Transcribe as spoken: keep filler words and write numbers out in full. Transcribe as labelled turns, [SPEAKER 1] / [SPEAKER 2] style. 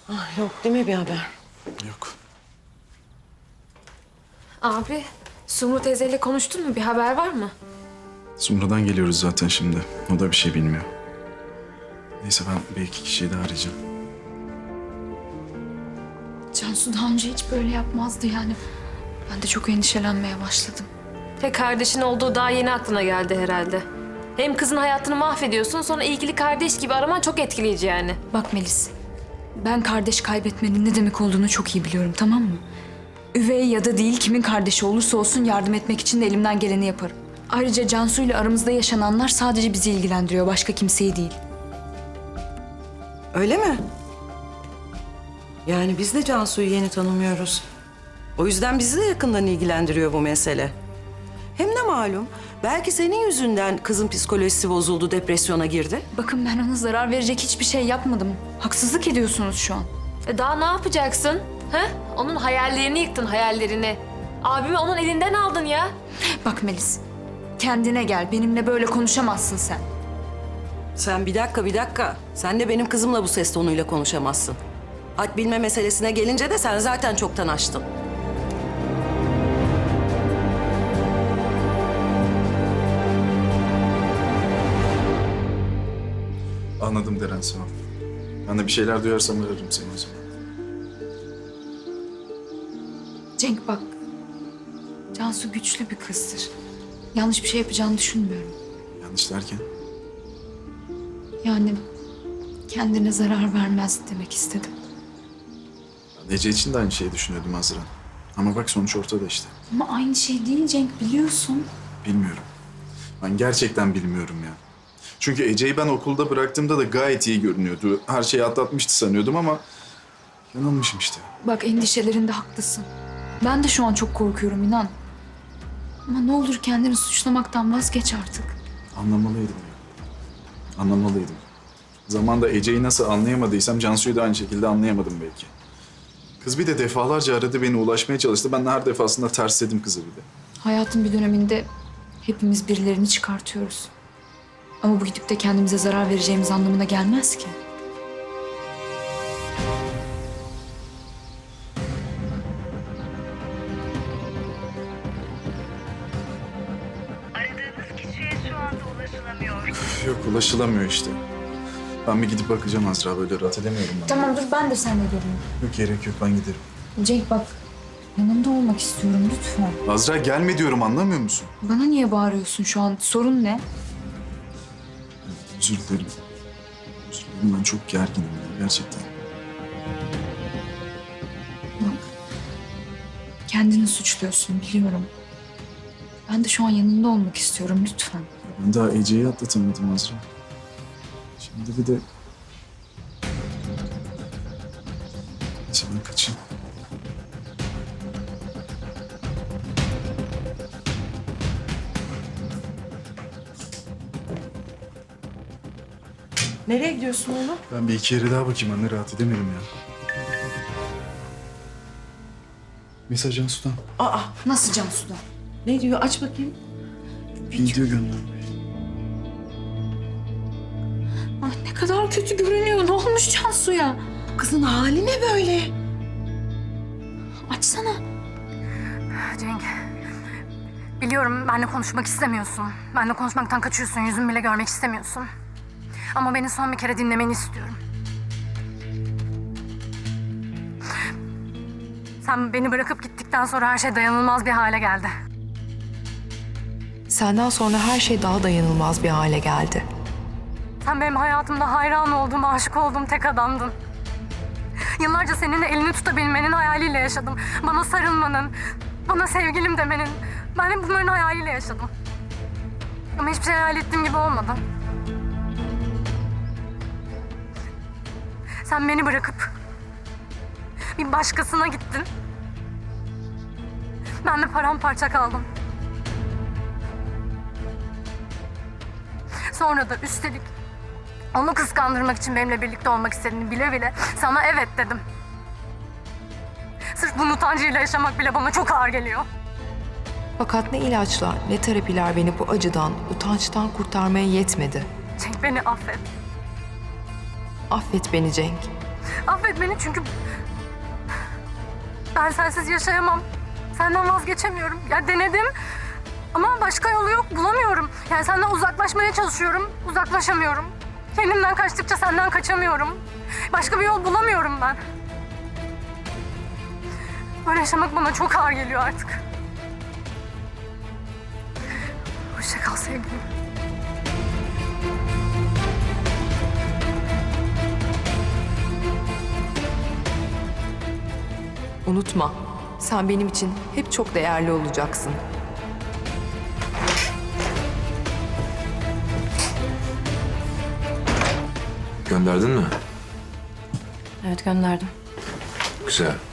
[SPEAKER 1] Ah, yok değil mi bir haber?
[SPEAKER 2] Yok.
[SPEAKER 3] Abi, Sumru teyzeyle konuştun mu? Bir haber var mı?
[SPEAKER 2] Sumru'dan geliyoruz zaten şimdi. O da bir şey bilmiyor. Neyse ben bir iki kişiyi daha arayacağım.
[SPEAKER 4] Cansu daha önce hiç böyle yapmazdı yani. Ben de çok endişelenmeye başladım.
[SPEAKER 3] He, kardeşin olduğu daha yeni aklına geldi herhalde. Hem kızın hayatını mahvediyorsun, sonra ilgili kardeş gibi araman çok etkileyici yani.
[SPEAKER 4] Bak Melis, ben kardeş kaybetmenin ne demek olduğunu çok iyi biliyorum, tamam mı? Üvey ya da değil, kimin kardeşi olursa olsun yardım etmek için de elimden geleni yaparım. Ayrıca Cansu ile aramızda yaşananlar sadece bizi ilgilendiriyor, başka kimseyi değil.
[SPEAKER 1] Öyle mi? Yani biz de Cansu'yu yeni tanımıyoruz. O yüzden bizi de yakından ilgilendiriyor bu mesele. Hem de malum, belki senin yüzünden kızın psikolojisi bozuldu, depresyona girdi.
[SPEAKER 4] Bakın ben ona zarar verecek hiçbir şey yapmadım. Haksızlık ediyorsunuz şu an.
[SPEAKER 3] E daha ne yapacaksın? He? Onun hayallerini yıktın, hayallerini. Abimi onun elinden aldın ya.
[SPEAKER 4] Bak Melis, kendine gel. Benimle böyle konuşamazsın sen.
[SPEAKER 1] Sen bir dakika, bir dakika. Sen de benim kızımla bu ses tonuyla konuşamazsın. Had bilme meselesine gelince de sen zaten çoktan açtın.
[SPEAKER 2] Anladım Deren, sağ ol. Ben de bir şeyler duyarsam ararım seni o zaman.
[SPEAKER 4] Cenk bak, Cansu güçlü bir kızdır. Yanlış bir şey yapacağını düşünmüyorum.
[SPEAKER 2] Yanlış derken?
[SPEAKER 4] Yani kendine zarar vermez demek istedim.
[SPEAKER 2] Ben Ece için de aynı şeyi düşünüyordum Azra. Ama bak sonuç ortada işte.
[SPEAKER 4] Ama aynı şey değil Cenk, biliyorsun.
[SPEAKER 2] Bilmiyorum. Ben gerçekten bilmiyorum ya. Çünkü Ece'yi ben okulda bıraktığımda da gayet iyi görünüyordu. Her şeyi atlatmıştı sanıyordum ama yanılmışım işte.
[SPEAKER 4] Bak endişelerinde haklısın. Ben de şu an çok korkuyorum inan. Ama ne olur kendini suçlamaktan vazgeç artık.
[SPEAKER 2] Anlamalıydım ya. Anlamalıydım. Zamanında Ece'yi nasıl anlayamadıysam Cansu'yu da aynı şekilde anlayamadım belki. Kız bir de defalarca aradı, beni ulaşmaya çalıştı. Ben de her defasında tersledim kızı bir de.
[SPEAKER 4] Hayatın bir döneminde hepimiz birilerini çıkartıyoruz. Ama bu gidip de kendimize zarar vereceğimiz anlamına gelmez ki.
[SPEAKER 5] Aradığınız kişiye şu anda ulaşılamıyor.
[SPEAKER 2] Yok, ulaşılamıyor işte. Ben bir gidip bakacağım Azra, böyle rahat edemiyorum ben.
[SPEAKER 4] Tamam dur ben de seninle geleyim.
[SPEAKER 2] Yok, gerek yok, ben giderim.
[SPEAKER 4] Cenk bak yanında olmak istiyorum lütfen.
[SPEAKER 2] Azra gelme diyorum, anlamıyor musun?
[SPEAKER 4] Bana niye bağırıyorsun şu an? Sorun ne?
[SPEAKER 2] Özür dilerim. Özür dilerim, ben çok gerginim ya, gerçekten.
[SPEAKER 4] Bak kendini suçluyorsun biliyorum. Ben de şu an yanında olmak istiyorum lütfen.
[SPEAKER 2] Ben daha Ece'yi atlatamadım Azra. Şimdi bir de... Neyse ben kaçayım.
[SPEAKER 1] Nereye gidiyorsun oğlum?
[SPEAKER 2] Ben bir iki yere daha bakayım anne, rahat edemiyorum ya. Mesaj Cansu'dan.
[SPEAKER 1] Aa,
[SPEAKER 4] Nasıl Cansu'da?
[SPEAKER 1] ne diyor? Aç bakayım.
[SPEAKER 2] Video göndermiş.
[SPEAKER 4] Ah ne kadar kötü görünüyor. Ne olmuş Cansu'ya?
[SPEAKER 1] Kızın hali ne böyle?
[SPEAKER 4] Açsana.
[SPEAKER 5] Cenk, biliyorum benimle konuşmak istemiyorsun. Benimle konuşmaktan kaçıyorsun, yüzümü bile görmek istemiyorsun. Ama beni son bir kere dinlemeni istiyorum. Sen beni bırakıp gittikten sonra her şey dayanılmaz bir hale geldi.
[SPEAKER 6] Senden sonra her şey daha dayanılmaz bir hale geldi.
[SPEAKER 5] Sen benim hayatımda hayran olduğum, aşık olduğum tek adamdın. Yıllarca seninle elini tutabilmenin hayaliyle yaşadım. Bana sarılmanın, bana sevgilim demenin. Ben hep bunların hayaliyle yaşadım. Ama hiçbir şey hayal ettiğim gibi olmadı. Sen beni bırakıp bir başkasına gittin. Ben de paramparça kaldım. Sonra da üstelik onu kıskandırmak için benimle birlikte olmak istediğini bile bile sana evet dedim. Sırf bunun utancıyla yaşamak bile bana çok ağır geliyor.
[SPEAKER 6] Fakat ne ilaçlar ne terapiler beni bu acıdan, utançtan kurtarmaya yetmedi.
[SPEAKER 5] Cenk beni affet.
[SPEAKER 6] Affet beni Cenk.
[SPEAKER 5] Affet beni çünkü ben sensiz yaşayamam. Senden vazgeçemiyorum. Ya denedim ama başka yolu yok, bulamıyorum. Yani senden uzaklaşmaya çalışıyorum, uzaklaşamıyorum. Kendimden kaçtıkça senden kaçamıyorum. Başka bir yol bulamıyorum ben. Böyle yaşamak bana çok ağır geliyor artık. Hoşça kal sevgilim.
[SPEAKER 6] Unutma, sen benim için hep çok değerli olacaksın.
[SPEAKER 7] Gönderdin mi?
[SPEAKER 3] Evet, gönderdim.
[SPEAKER 7] Güzel.